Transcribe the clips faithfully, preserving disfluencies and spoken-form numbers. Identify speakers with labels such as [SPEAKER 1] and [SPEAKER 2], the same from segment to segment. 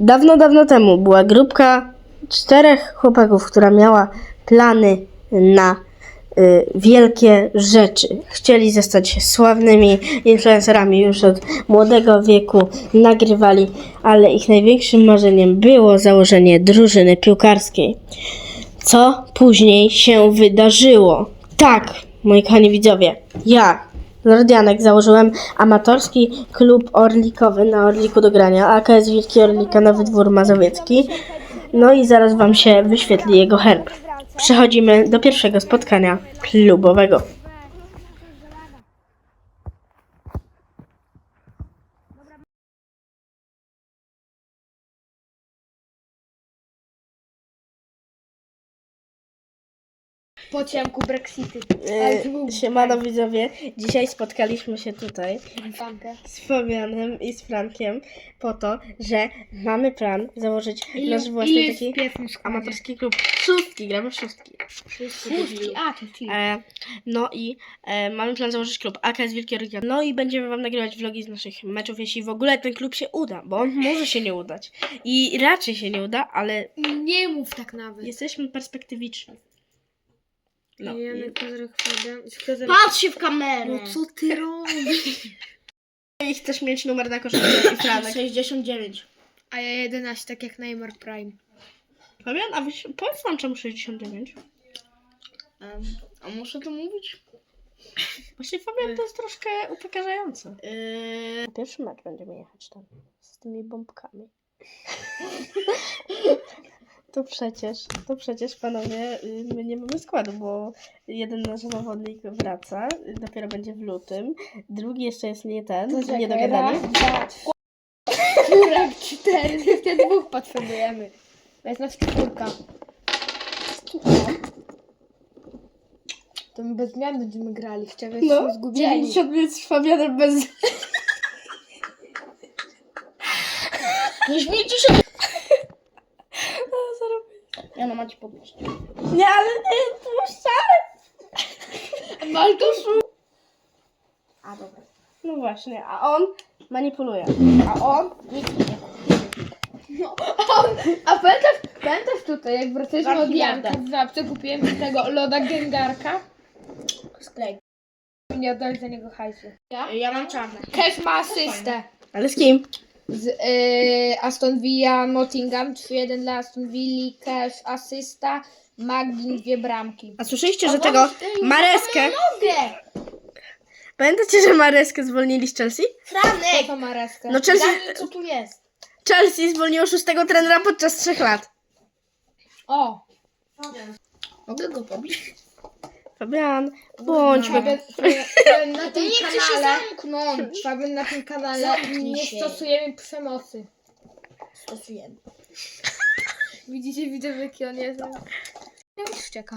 [SPEAKER 1] Dawno, dawno temu była grupka czterech chłopaków, która miała plany na y, wielkie rzeczy. Chcieli zostać sławnymi influencerami już od młodego wieku, nagrywali, ale ich największym marzeniem było założenie drużyny piłkarskiej. Co później się wydarzyło? Tak, moi kochani widzowie, ja, Lord Janek, założyłem amatorski klub orlikowy na Orliku do grania, A K S Wilki Orlika Nowy Dwór Mazowiecki. No i zaraz wam się wyświetli jego herb. Przechodzimy do pierwszego spotkania klubowego.
[SPEAKER 2] Po ciemku Brexity. Ale to był
[SPEAKER 1] Yy, siemano widzowie, dzisiaj spotkaliśmy się tutaj
[SPEAKER 2] Fankę.
[SPEAKER 1] z Fabianem i z Frankiem po to, że mamy plan założyć nasz własny taki amatorski klub. Szóstki, gramy w szóstki.
[SPEAKER 2] Szóstki, a to ci.
[SPEAKER 1] E, no i e, mamy plan założyć klub A K S Wilki Orlika. No i będziemy wam nagrywać vlogi z naszych meczów, jeśli w ogóle ten klub się uda, bo on może się nie udać. I raczej się nie uda, ale
[SPEAKER 2] Nie mów tak nawet.
[SPEAKER 1] jesteśmy perspektywiczni. No, i...
[SPEAKER 2] Janek, Kozorek, Fabian. Kozorek.
[SPEAKER 3] Patrz się w kamerę.
[SPEAKER 2] No co ty robisz?
[SPEAKER 1] I chcesz mieć numer na koszulce i Franek.
[SPEAKER 3] sześćdziesiąt dziewięć.
[SPEAKER 2] A ja jedenaście, tak jak Neymar Prime.
[SPEAKER 1] Fabian, a wy, powiedz nam czemu sześćdziesiąt dziewięć?
[SPEAKER 3] Um, a muszę to mówić?
[SPEAKER 1] Właśnie Fabian to jest troszkę upokarzające.
[SPEAKER 3] Yy,
[SPEAKER 1] Pierwszy mecz będziemy jechać tam z tymi bombkami. To przecież, to przecież panowie, y, my nie mamy składu, bo jeden nasz zawodnik wraca, y, dopiero będzie w lutym, drugi jeszcze jest nie ten, nie dogadany.
[SPEAKER 2] Raz, dwa, trzy. Czwórek, cztery. Jeszcze dwóch potrzebujemy. To jest nas czwórka. To my bez zmian będziemy grali. Chciałem
[SPEAKER 1] No,
[SPEAKER 2] się zgubieni.
[SPEAKER 1] dziewięćdziesiąt minut z Fabianem bez...
[SPEAKER 3] nie śmiejcie się.
[SPEAKER 1] A, zarobię.
[SPEAKER 3] Ja no macie podnieść.
[SPEAKER 1] Nie, ale nie, puszczamy!
[SPEAKER 2] Maltusz.
[SPEAKER 3] A dobra.
[SPEAKER 1] No właśnie, a on manipuluje, a on...
[SPEAKER 2] No, a, a pamiętasz, pamiętasz tutaj, jak wracaliśmy od
[SPEAKER 3] Warkiwarda.
[SPEAKER 2] Janka w Żabce, kupiłem z tego loda Gengarka.
[SPEAKER 3] Sklej.
[SPEAKER 2] Nie oddali za niego hajsu.
[SPEAKER 3] Ja? Ja mam czarne.
[SPEAKER 2] Kes ma asystę.
[SPEAKER 1] Ale z kim?
[SPEAKER 2] Z y, Aston Villa Nottingham, trzy jeden dla Aston Villa, Cash asysta, Magdin dwie bramki.
[SPEAKER 1] A słyszeliście, że tego Mareskę...
[SPEAKER 3] Mogę.
[SPEAKER 1] Pamiętacie, że Mareskę zwolnili z Chelsea?
[SPEAKER 2] Co
[SPEAKER 3] Franek.
[SPEAKER 2] to ma reskę?
[SPEAKER 1] No Chelsea,
[SPEAKER 3] Daj mi, co tu jest.
[SPEAKER 1] Chelsea zwolniło szóstego trenera podczas trzech lat.
[SPEAKER 2] O!
[SPEAKER 3] Mogę go pobić?
[SPEAKER 1] Fabian, bądźmy.
[SPEAKER 2] Fabian, Fabian na
[SPEAKER 3] Ty
[SPEAKER 2] tym
[SPEAKER 3] nie chcesz się
[SPEAKER 2] kanale,
[SPEAKER 3] zamknąć.
[SPEAKER 2] Fabian na tym kanale
[SPEAKER 3] Zamknij
[SPEAKER 2] nie
[SPEAKER 3] się.
[SPEAKER 2] stosujemy przemocy.
[SPEAKER 3] Stosujemy.
[SPEAKER 2] Widzicie, widzę jaki on jest. Ja już wścieka.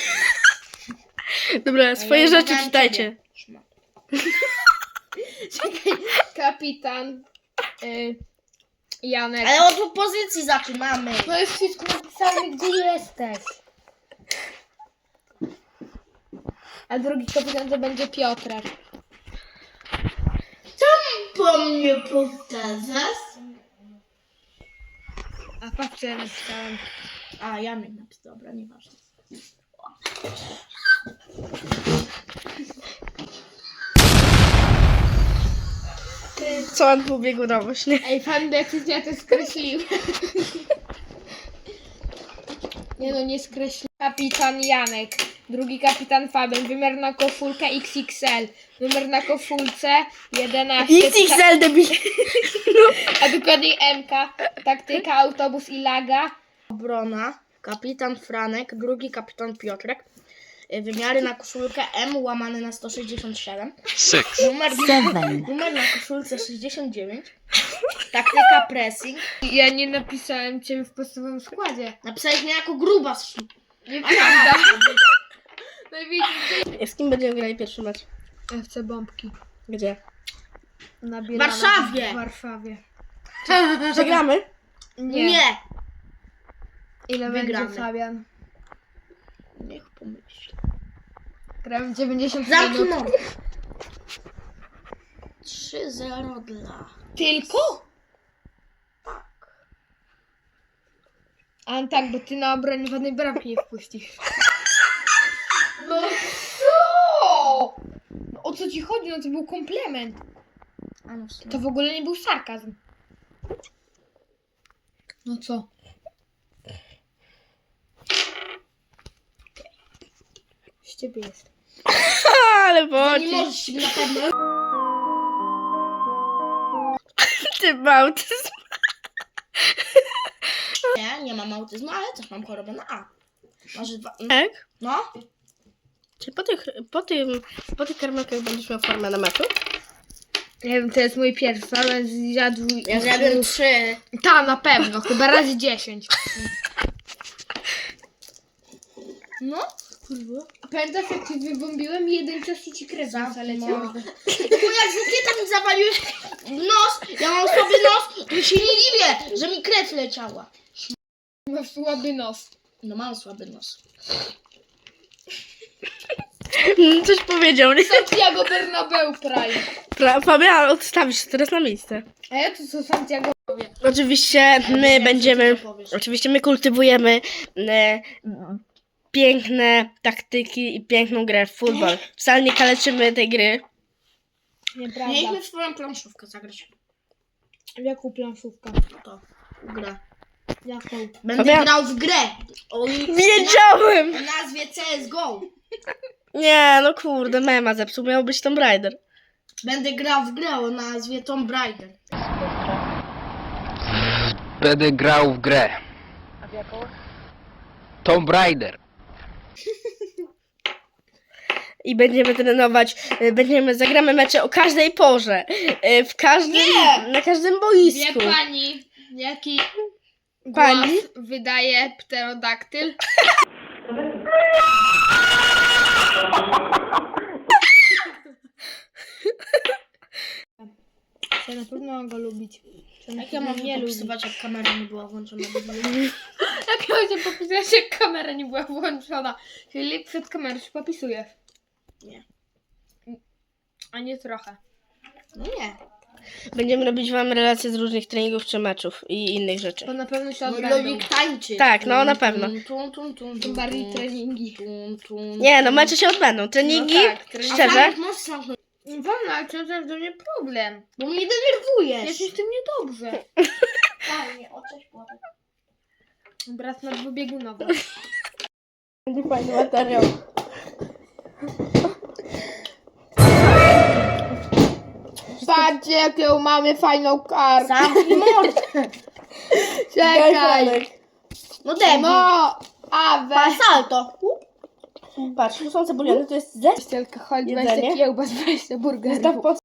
[SPEAKER 1] Dobra, swoje
[SPEAKER 3] ja
[SPEAKER 1] rzeczy
[SPEAKER 3] wymagałem
[SPEAKER 1] czytajcie.
[SPEAKER 3] Szmat.
[SPEAKER 2] Czekaj, kapitan y, Janek.
[SPEAKER 3] Ale od opozycji zaczynamy.
[SPEAKER 2] To jest wszystko napisane, gdzie jesteś. A drugi kapitan to będzie Piotrek.
[SPEAKER 3] Po mnie powtarzasz?
[SPEAKER 2] A patrz, co ja napisałem.
[SPEAKER 3] A, Janek napisał. Dobra, nieważne.
[SPEAKER 1] Co on pobiegł na właśnie?
[SPEAKER 2] Ej, pan jak ja to skreśliłem. Nie no, nie skreśliłem. Kapitan Janek. Drugi kapitan Fabian. Wymiar na koszulkę X X L. Numer na koszulce jedenaście.
[SPEAKER 1] X X L debil.
[SPEAKER 2] A dokładnie M K. Taktyka, autobus i laga.
[SPEAKER 3] Obrona. Kapitan Franek. Drugi kapitan Piotrek. Y, Wymiary na koszulkę M łamane na sto sześćdziesiąt siedem.
[SPEAKER 4] Six.
[SPEAKER 3] Numer, numer na koszulce sześćdziesiąt dziewięć. Taktyka pressing.
[SPEAKER 2] Ja nie napisałem ciebie w podstawowym składzie.
[SPEAKER 3] Napisałeś mnie jako grubas.
[SPEAKER 2] Nieprawda. Najwięcej.
[SPEAKER 1] Z kim będziemy grali pierwszy mecz?
[SPEAKER 2] F C Bombki.
[SPEAKER 1] Gdzie?
[SPEAKER 2] Na
[SPEAKER 3] W Warszawie.
[SPEAKER 2] W Warszawie.
[SPEAKER 1] Przegramy?
[SPEAKER 2] Nie.
[SPEAKER 3] Nie.
[SPEAKER 2] Ile
[SPEAKER 3] Wygramy.
[SPEAKER 2] będzie Fabian?
[SPEAKER 3] Niech pomyśli.
[SPEAKER 2] Grałem dziewięćdziesiąt
[SPEAKER 3] Zamknij
[SPEAKER 2] minut.
[SPEAKER 3] mordę. trzy zero dla...
[SPEAKER 2] Tylko? A tak, bo ty na obronie żadnej bramki nie wpuścisz. No co? No, o co ci chodzi? No to był komplement.
[SPEAKER 3] A no w sumie.
[SPEAKER 2] To w ogóle nie był sarkazm. No co? Z ciebie jest.
[SPEAKER 1] Ale
[SPEAKER 3] To nie
[SPEAKER 1] bocisz,
[SPEAKER 3] możesz się na pewno.
[SPEAKER 1] ty bałtyzm.
[SPEAKER 3] Nie, nie mam autyzmu, ale też mam chorobę na A. Może dwa...
[SPEAKER 1] Tak?
[SPEAKER 3] No.
[SPEAKER 1] Czy po tych, po tym, po tych karmelkach będziesz miał formę na meczu?
[SPEAKER 2] Nie wiem, to jest mój pierwszy, ale zjadł...
[SPEAKER 3] Ja zjadłem trzy.
[SPEAKER 2] Ta, na pewno, chyba razy dziesięć.
[SPEAKER 3] No.
[SPEAKER 2] Kurwa. A pamiętasz, jak ci wybombiłem i jeden czas i ci krew zaleciała?
[SPEAKER 3] No bo jak żółkieta mi zawaliłeś w nos, ja mam słaby nos, to się nie dziwię, że mi krew leciała.
[SPEAKER 2] Masz słaby nos.
[SPEAKER 3] No mam słaby nos.
[SPEAKER 1] Mm, Coś powiedział, nie?
[SPEAKER 2] Santiago Bernabeu prawie.
[SPEAKER 1] Pra- Fabian, odstawisz się teraz na miejsce.
[SPEAKER 2] A ja tu co Santiago powie.
[SPEAKER 1] Oczywiście my
[SPEAKER 3] wiem,
[SPEAKER 1] będziemy,
[SPEAKER 3] co ty powiesz.
[SPEAKER 1] oczywiście my kultywujemy e, piękne taktyki i piękną grę w futbol. Wcale nie kaleczymy tej gry.
[SPEAKER 2] Nieprawda.
[SPEAKER 3] Mieliśmy w swoją planszówkę zagrać.
[SPEAKER 2] Jaką planszówkę?
[SPEAKER 3] To grę.
[SPEAKER 2] Jaką?
[SPEAKER 3] Będę
[SPEAKER 1] Fabian.
[SPEAKER 3] grał w grę. O
[SPEAKER 1] Wiedziałem!
[SPEAKER 3] o nazwie C S G O.
[SPEAKER 1] Nie, no kurde, mema zepsuł, miał być Tomb Raider.
[SPEAKER 3] Będę grał w grę o nazwie Tomb Raider.
[SPEAKER 4] Będę grał w grę. A w jaką? Tomb Raider.
[SPEAKER 1] I będziemy trenować, e, będziemy, zagramy mecze o każdej porze. e, W każdym, na każdym
[SPEAKER 2] Wie
[SPEAKER 1] boisku.
[SPEAKER 2] pani, jaki
[SPEAKER 1] Pani?
[SPEAKER 2] głos wydaje pterodaktyl? Ja na pewno mam go lubić.
[SPEAKER 3] Jak ja mam nie popisywać, jak kamera nie była włączona?
[SPEAKER 2] Jak ja się popisać, jak kamera nie była włączona? Czyli przed kamerą się popisujesz.
[SPEAKER 3] Nie.
[SPEAKER 2] A nie trochę.
[SPEAKER 3] No nie.
[SPEAKER 1] Będziemy robić wam relacje z różnych treningów czy meczów i innych rzeczy.
[SPEAKER 2] To na pewno się
[SPEAKER 3] Mój
[SPEAKER 2] odbędą.
[SPEAKER 3] logik tańczy.
[SPEAKER 1] Tak, no, na pewno.
[SPEAKER 3] Tum, tum, tum, tum,
[SPEAKER 2] Tym bardziej treningi.
[SPEAKER 3] tum, tum,
[SPEAKER 1] Nie, no mecze się odbędą. Treningi,
[SPEAKER 2] No tak, treningi.
[SPEAKER 3] A
[SPEAKER 1] szczerze.
[SPEAKER 3] Franek, możesz zamknąć,
[SPEAKER 2] Wolno, ale to jest do mnie problem.
[SPEAKER 3] bo mnie denerwujesz.
[SPEAKER 2] Jest mi z tym niedobrze.
[SPEAKER 3] Fajnie, o cześć, Włodek.
[SPEAKER 2] Brat na dwubiegunowy.
[SPEAKER 1] Będzie fajny materiał.
[SPEAKER 2] Patrzcie, jaką mamy fajną kartę.
[SPEAKER 3] Zamknij mordę.
[SPEAKER 2] Czekaj.
[SPEAKER 3] No debil.
[SPEAKER 2] No, Awe.
[SPEAKER 3] Pa salto.
[SPEAKER 1] Patrz, tu są cebuliony, to jest zestaw
[SPEAKER 2] Tylko chodź,
[SPEAKER 1] Jedzenie?
[SPEAKER 2] weź te kiełbas, weź te burgery.
[SPEAKER 1] pod